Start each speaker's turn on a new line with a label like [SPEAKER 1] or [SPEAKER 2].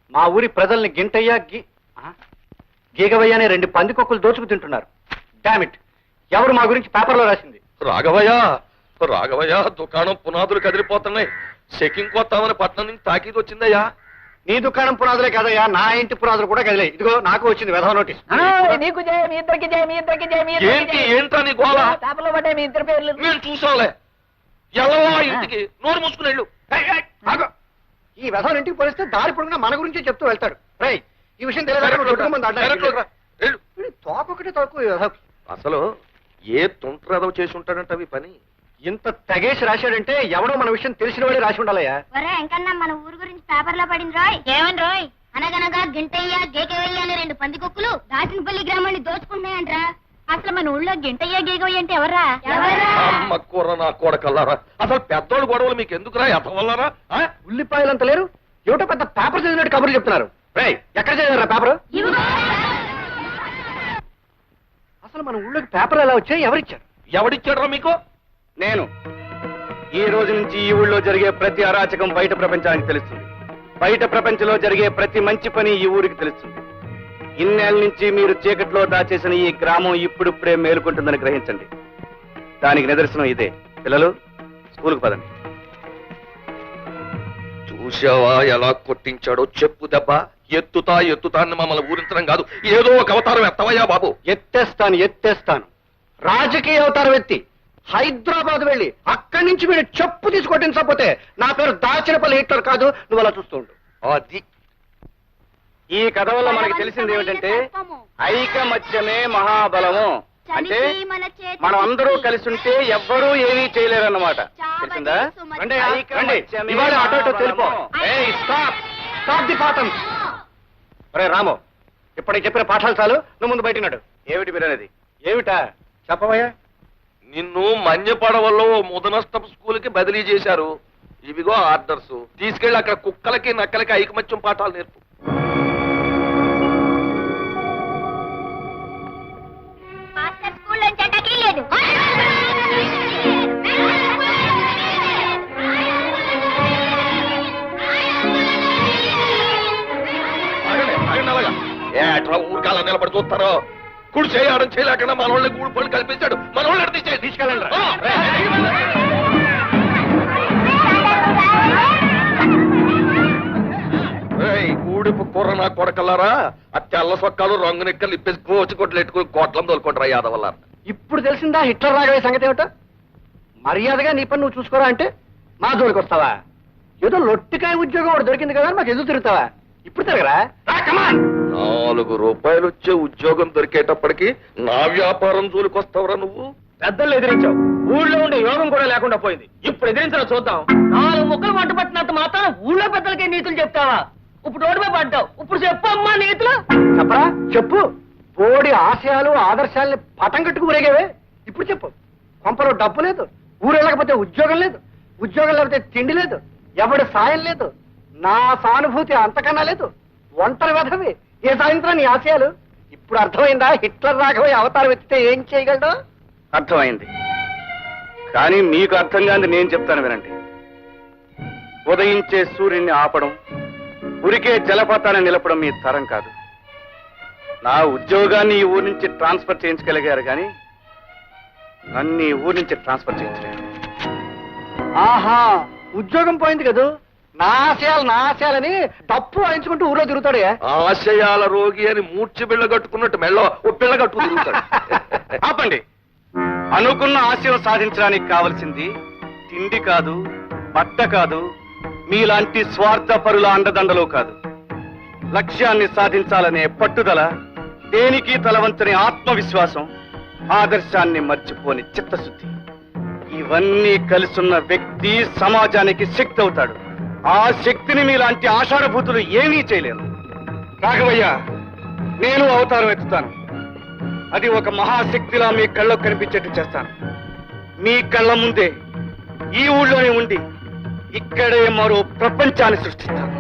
[SPEAKER 1] మా ఊరి ప్రజల్ని గింటయ్య గీగవయ్య అనే 2 పందికొక్కులు దోచుకు తింటున్నారు. డామిట్, ఎవరు మా గురించి పేపర్లో రాసింది?
[SPEAKER 2] రాఘవయ్య దుకాణం పునాదులు కదిలిపోతున్నాయి. చెకింగ్ కొత్తామని పట్నం నుంచి తాకీదు వచ్చిందయ్యా.
[SPEAKER 1] నీ దుకాణం పునాదులే కదయ్యా, నా ఇంటి పునాదులు కూడా కదిలే. ఇదిగో నాకు వచ్చింది వెధవ నోటీస్.
[SPEAKER 3] నీకు జయ, మీ ఇద్దరికి జయ, మీ ఇద్దరికి జయ, మీ
[SPEAKER 2] ఏంటా నీ గోళ?
[SPEAKER 3] పేపర్లో పడ్డాయి మీ ఇద్దరు పేర్లు.
[SPEAKER 2] మేము చూసాంలే. ఎల్లవా ఇంటికి నోరు మూసుకునేళ్ళు.
[SPEAKER 1] ఈ వెధవ ఇంటికి పోలిస్తే దారి పొడుగునా మన గురించి చెప్తూ వెళ్తాడు. రై, ఈ విషయం తెలియదు. తోకొకటి తక్కువ.
[SPEAKER 2] అసలు ఏ తుంట్రదవ చేసి ఉంటాడంట అవి పని.
[SPEAKER 1] ఇంత తెగేసి రాశాడంటే ఎవడో మన విషయం తెలిసిన వాడే రాసి ఉండాలయ్యా.
[SPEAKER 4] ఎంకన్నా మన ఊరు గురించి పేపర్లో పడింది రోయ్. ఏమని రోయ్? అనగనగా గింటయ్య గేకవయ్య అనే 2 పందికొక్కులు దాచినపల్లి గ్రామాన్ని దోచుకుంటున్నాయంట్రా. అసలు మన ఊళ్ళో గింటయ్య గేకవయ్య అంటే ఎవర్రా?
[SPEAKER 2] అమ్మ కూర నా కొడకల్లారా. అసలు పెద్దోళ్ళు గొడవలు మీకు ఎందుకురా? ఎతవల్లారా?
[SPEAKER 1] ఉల్లిపాయలంత లేరు, ఏమిటో పెద్ద పేపర్ చదివినట్టు కబుర్లు చెప్తున్నారు. రై, ఎక్కడ చదివారా పేపర్? అసలు మన ఊళ్ళోకి పేపర్ ఎలా వచ్చాయి? ఎవరిచ్చారు?
[SPEAKER 2] ఎవడిచ్చాడరా మీకు?
[SPEAKER 1] నేను. ఈ రోజు నుంచి ఈ ఊళ్ళో జరిగే ప్రతి అరాచకం బయట ప్రపంచానికి తెలుస్తుంది. బయట ప్రపంచంలో జరిగే ప్రతి మంచి పని ఈ ఊరికి తెలుస్తుంది. ఇన్నేళ్ళ నుంచి మీరు చీకట్లో దాచేసిన ఈ గ్రామం ఇప్పుడిప్పుడే మేలుకుంటుందని గ్రహించండి. దానికి నిదర్శనం ఇదే. పిల్లలు, స్కూల్కి పదండి.
[SPEAKER 2] చూసావా ఎలా కొట్టించాడో? చెప్పు దెబ్బ. ఎత్తుతా అని మమ్మల్ని ఊరించడం కాదు, ఏదో ఒక అవతారం ఎత్తవయ్యా బాబు.
[SPEAKER 1] ఎత్తేస్తాను. రాజకీయ అవతారం ఎత్తి హైదరాబాద్ వెళ్ళి అక్కడి నుంచి వీడు చెప్పు తీసుకొట్టించకపోతే నా పేరు దాచినపల్లి హిట్లర్ కాదు. నువ్వు అలా చూస్తుండు.
[SPEAKER 2] అది
[SPEAKER 1] ఈ కథ వల్ల మనకి తెలిసింది ఏమిటంటే ఐకమత్యమే మహాబలము. అంటే మనం అందరూ కలిసి ఉంటే ఎవ్వరూ ఏమీ చేయలేరన్నమాట. తెలిసిందా? ఇవాళ అటో తెలిపో. స్టాప్ ది పాఠం. రే రాము, ఇప్పటికి చెప్పిన పాఠాలు చాలు, నువ్వు ముందు బయటన్నాడు. ఏమిటి మీరు అనేది? ఏమిటా చెప్పవయ్యా?
[SPEAKER 2] నిన్ను మన్యపడవల్లో ముదనష్టపు స్కూల్కి బదిలీ చేశారు. ఇవిగో ఆర్డర్స్. తీసుకెళ్లి అక్కడ కుక్కలకి నక్కలకి ఐకమత్యం పాఠాలు నేర్పు. ఏట్రా ఊరికాల నిలబడి చూస్తారో? కుడి చేయడం చేయలేకుండా మన వాళ్ళని గూడు పళ్ళు కల్పించాడు. మన వాళ్ళని తీసుకెళ్ళండి. ఊడిపు కూర నా కొడకల్లారా. ఆ తెల్ల సొక్కాలు రంగు నెక్కలు ఇప్పేసి కోచి కొట్లు ఎట్టుకుని కోట్లం తోలుకుంటారా యాదవల్ల.
[SPEAKER 1] ఇప్పుడు తెలిసిందా హిట్లర్ రాగవే సంగతి ఏమిటో? మర్యాదగా నీ పని నువ్వు చూసుకోరా అంటే మా జోలికి వస్తావా? ఏదో లొట్టికాయ ఉద్యోగం ఒకటి దొరికింది కదా మాకు ఎదురు తిరుగుతావా? ఇప్పుడు తిరగరా?
[SPEAKER 2] 4 రూపాయలు వచ్చే ఉద్యోగం దొరికేటప్పటికి నా వ్యాపారం జోలికొస్తావురా నువ్వు?
[SPEAKER 1] పెద్దలు ఎదిరించావు, ఊళ్ళో ఉండే యోగం కూడా లేకుండా పోయింది. ఇప్పుడు ఎదిరించడం చూద్దాం.
[SPEAKER 3] 4 ముక్కలు వంట పట్టినంత మాత్రం ఊళ్ళో పెద్దలకే నీతులు చెప్తావా? ఇప్పుడు ఓడిపోయి పడ్డావు, ఇప్పుడు చెప్పు అమ్మా నీతులు.
[SPEAKER 1] చెప్పరా? చెప్పు. బోడి ఆశయాలు ఆదర్శాలని పటం కట్టుకు ఊరేగేవే. ఇప్పుడు చెప్పు. కొంపలో డబ్బు లేదు, ఊరు వెళ్ళకపోతే ఉద్యోగం లేదు, ఉద్యోగం లేకపోతే తిండి లేదు, ఎవడి సాయం లేదు, నా సానుభూతి అంతకన్నా లేదు, ఒంటరి వెధవి. ఏ సాయంత్రం నీ ఆశయాలు? ఇప్పుడు అర్థమైందా హిట్లర్ రాఘవయ్య అవతారం ఎత్తితే ఏం చేయగలడు? అర్థమైంది. కానీ మీకు అర్థం కాని నేను చెప్తాను వినండి. ఉదయించే సూర్యుడిని ఆపడం, ఉరికే జలపాతాన్ని నిలపడం మీ తరం కాదు. నా ఉద్యోగాన్ని ఈ ఊరి నుంచి ట్రాన్స్ఫర్ చేయించగలిగారు కానీ నన్ను ఈ ఊరి నుంచి ట్రాన్స్ఫర్ చేయించలేరు. ఆహా, ఉద్యోగం పోయింది కదా, నా ఆశయాలని డప్పు వాయించుకుంటూ ఊళ్ళో తిరుగుతాడే.
[SPEAKER 2] ఆశయాల రోగి అని మూర్చి బిళ్ళ కట్టుకున్నట్టు మెళ్ళో ఓ పిల్ల కట్టుకు తిరుగుతాడు.
[SPEAKER 1] ఆపండి. అనుకున్న ఆశయం సాధించడానికి కావలసింది తిండి కాదు, బట్ట కాదు, మీలాంటి స్వార్థపరుల అండదండలు కాదు. లక్ష్యాన్ని సాధించాలనే పట్టుదల, దేనికి తలవంచని ఆత్మవిశ్వాసం, ఆదర్శాన్ని మర్చిపోని చిత్తశుద్ధి, ఇవన్నీ కలిసున్న వ్యక్తి సమాజానికి శక్తి అవుతాడు. ఆ శక్తిని మీలాంటి ఆషాఢభూతులు ఏమీ చేయలేరు. రాఘవయ్య, నేను అవతారం ఎత్తుతాను. అది ఒక మహాశక్తిలా మీ కళ్ళకు కనిపించేట్టు చేస్తాను. మీ కళ్ళ ముందే ఈ ఊళ్ళోనే ఉండి ఇక్కడే మరో ప్రపంచాన్ని సృష్టిస్తాను.